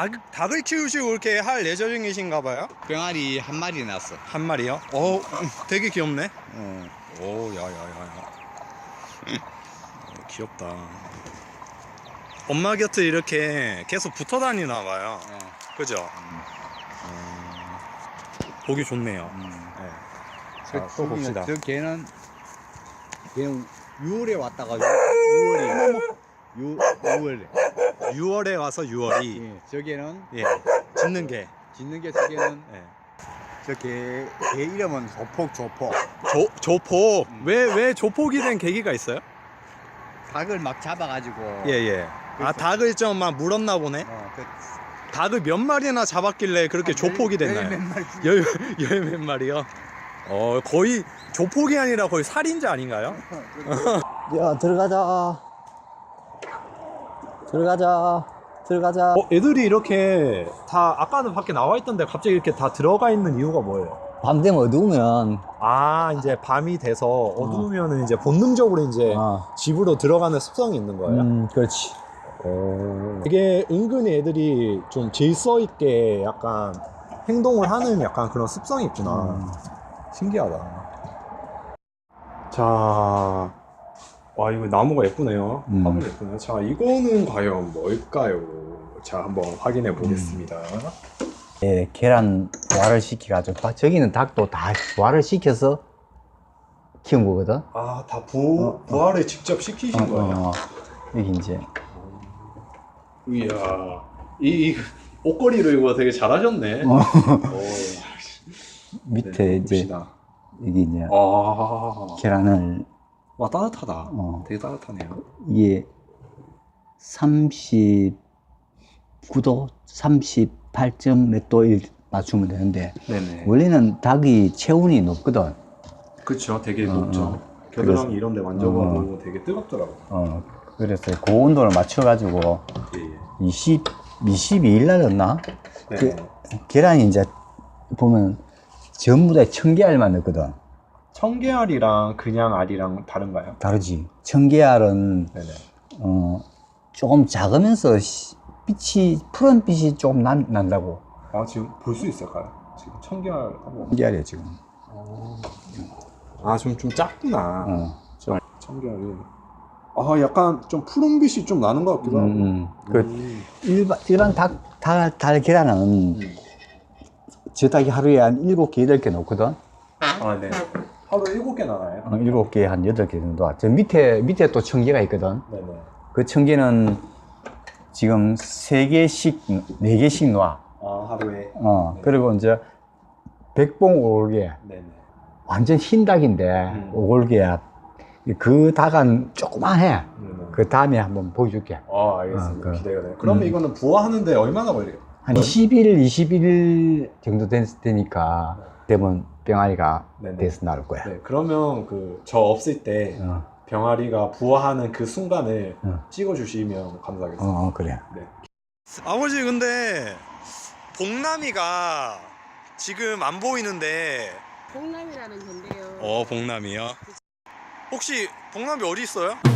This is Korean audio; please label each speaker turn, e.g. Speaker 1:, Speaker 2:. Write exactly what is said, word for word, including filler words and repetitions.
Speaker 1: 닭, 닭을 키우시고 이렇게 할 예정이신가 봐요?
Speaker 2: 병아리 한 마리 났어.
Speaker 1: 한 마리요? 어, 되게 귀엽네.
Speaker 2: 어.
Speaker 1: 오, 야야야야. 귀엽다. 엄마 곁에 이렇게 계속 붙어 다니나 봐요.
Speaker 2: 네.
Speaker 1: 그죠?
Speaker 2: 음.
Speaker 1: 어, 보기 좋네요.
Speaker 2: 음.
Speaker 1: 네.
Speaker 2: 저,
Speaker 1: 자, 또 봅시다.
Speaker 2: 저 걔는 걔는 유월에 왔다가 유월에 유 유월에
Speaker 1: 유월에 와서 유월이.
Speaker 2: 예, 저게는
Speaker 1: 예. 짖는 개.
Speaker 2: 짓는 게 저게는
Speaker 1: 예.
Speaker 2: 저개 개 이름은 조폭 조폭.
Speaker 1: 조, 조폭.
Speaker 2: 음.
Speaker 1: 왜, 왜 조폭이 된 계기가 있어요?
Speaker 2: 닭을 막 잡아가지고.
Speaker 1: 예, 예. 아, 닭을 좀 막 물었나 보네?
Speaker 2: 어, 그
Speaker 1: 닭을 몇 마리나 잡았길래 그렇게
Speaker 2: 한
Speaker 1: 조폭이
Speaker 2: 열-
Speaker 1: 됐나요?
Speaker 2: 열몇 마리 죽-
Speaker 1: 열, 열 몇 마리요? 어, 거의 조폭이 아니라 거의 살인자 아닌가요?
Speaker 3: 야, 들어가자. 들어가자. 들어가자.
Speaker 1: 어, 애들이 이렇게 다 아까는 밖에 나와 있던데 갑자기 이렇게 다 들어가 있는 이유가 뭐예요?
Speaker 3: 밤 되면 어두우면
Speaker 1: 아, 이제 밤이 돼서 어두우면은 이제 본능적으로 이제
Speaker 3: 아,
Speaker 1: 집으로 들어가는 습성이 있는 거예요?
Speaker 3: 음, 그렇지.
Speaker 1: 이게 은근히 애들이 좀 질서 있게 약간 행동을 하는 약간 그런 습성이 있구나.
Speaker 3: 음.
Speaker 1: 신기하다. 자, 와, 이거 나무가 예쁘네요.
Speaker 3: 음.
Speaker 1: 화분 예쁘네요. 자, 이거는 과연 뭘까요? 자, 한번 확인해 보겠습니다.
Speaker 3: 예, 계란 부화를 시켜가지고 다- 저기는 닭도 다 부화를 시켜서 키운 거거든.
Speaker 1: 아, 다 부, 부화를 직접 시키신
Speaker 3: 어,
Speaker 1: 거예요?
Speaker 3: 어, 여기 이제
Speaker 1: 이야, 이, 이 옷걸이로 이거 되게 잘하셨네.
Speaker 3: 어.
Speaker 1: 오,
Speaker 3: 밑에
Speaker 1: 네,
Speaker 3: 이제
Speaker 1: 봅시다.
Speaker 3: 여기 이제
Speaker 1: 아,
Speaker 3: 계란을
Speaker 1: 와, 따뜻하다.
Speaker 3: 어,
Speaker 1: 되게 따뜻하네요.
Speaker 3: 이게 삼십구 도, 삼십팔 점 몇 도에 맞추면 되는데
Speaker 1: 네네.
Speaker 3: 원래는 닭이 체온이 높거든.
Speaker 1: 그쵸, 되게
Speaker 3: 어,
Speaker 1: 높죠.
Speaker 3: 어.
Speaker 1: 겨드랑이
Speaker 3: 그래서-
Speaker 1: 이런 데 만져봐도 되게 뜨겁더라고요.
Speaker 3: 어, 그래서 그 온도를 맞춰가지고
Speaker 1: 예, 예.
Speaker 3: 이십, 이십이 일 날였나?
Speaker 1: 네.
Speaker 3: 그 계란이 이제 보면 전부 다 청계알만 넣거든.
Speaker 1: 청계알이랑 그냥 알이랑 다른가요?
Speaker 3: 다르지. 청계알은
Speaker 1: 네네.
Speaker 3: 어, 조금 작으면서 시- 빛이 푸른 빛이 조금 난, 난다고.
Speaker 1: 아, 지금 볼 수 있을까요? 지금 청계알 한번.
Speaker 3: 청계알이야 지금.
Speaker 1: 아, 좀, 좀 작구나.
Speaker 3: 어.
Speaker 1: 저 청계알이. 아, 약간 좀 푸른빛이 좀 나는 것 같기도 하고.
Speaker 3: 음, 음. 그
Speaker 1: 음.
Speaker 3: 일반 일반 닭, 닭, 닭 계란은
Speaker 1: 음.
Speaker 3: 저 닭이 하루에 한 일곱 개, 여덟 개 넣거든.
Speaker 1: 아, 네. 하루 일곱 개 나나요?
Speaker 3: 어, 일곱 개, 한 여덟 개 정도. 저 밑에 밑에 또 청계가 있거든.
Speaker 1: 네네.
Speaker 3: 그 청계는 지금 세 개씩, 네 개씩 놔.
Speaker 1: 아, 하루에.
Speaker 3: 어,
Speaker 1: 네.
Speaker 3: 그리고 이제 백봉 오골개.
Speaker 1: 네네.
Speaker 3: 완전 흰 닭인데,
Speaker 1: 음.
Speaker 3: 오골개야. 그 닭은 조그만해.
Speaker 1: 네네.
Speaker 3: 그 다음에 한번 보여줄게.
Speaker 1: 아, 알겠습니다.
Speaker 3: 아, 그-
Speaker 1: 기대가 돼요. 그러면
Speaker 3: 음.
Speaker 1: 이거는 부화하는데 얼마나 걸려요?
Speaker 3: 한 이십 일, 이십일 일 정도 되, 되니까, 되면 병아리가
Speaker 1: 네네.
Speaker 3: 돼서 나올 거야.
Speaker 1: 네, 그러면 그 저 없을 때
Speaker 3: 어,
Speaker 1: 병아리가 부화하는 그 순간을
Speaker 3: 어.
Speaker 1: 찍어주시면 감사하겠습니다.
Speaker 3: 어, 그래.
Speaker 1: 아버지, 근데 복남이가 지금 안 보이는데.
Speaker 4: 봉남이라는 건데요.
Speaker 1: 어, 복남이요? 혹시 복남이 어디 있어요?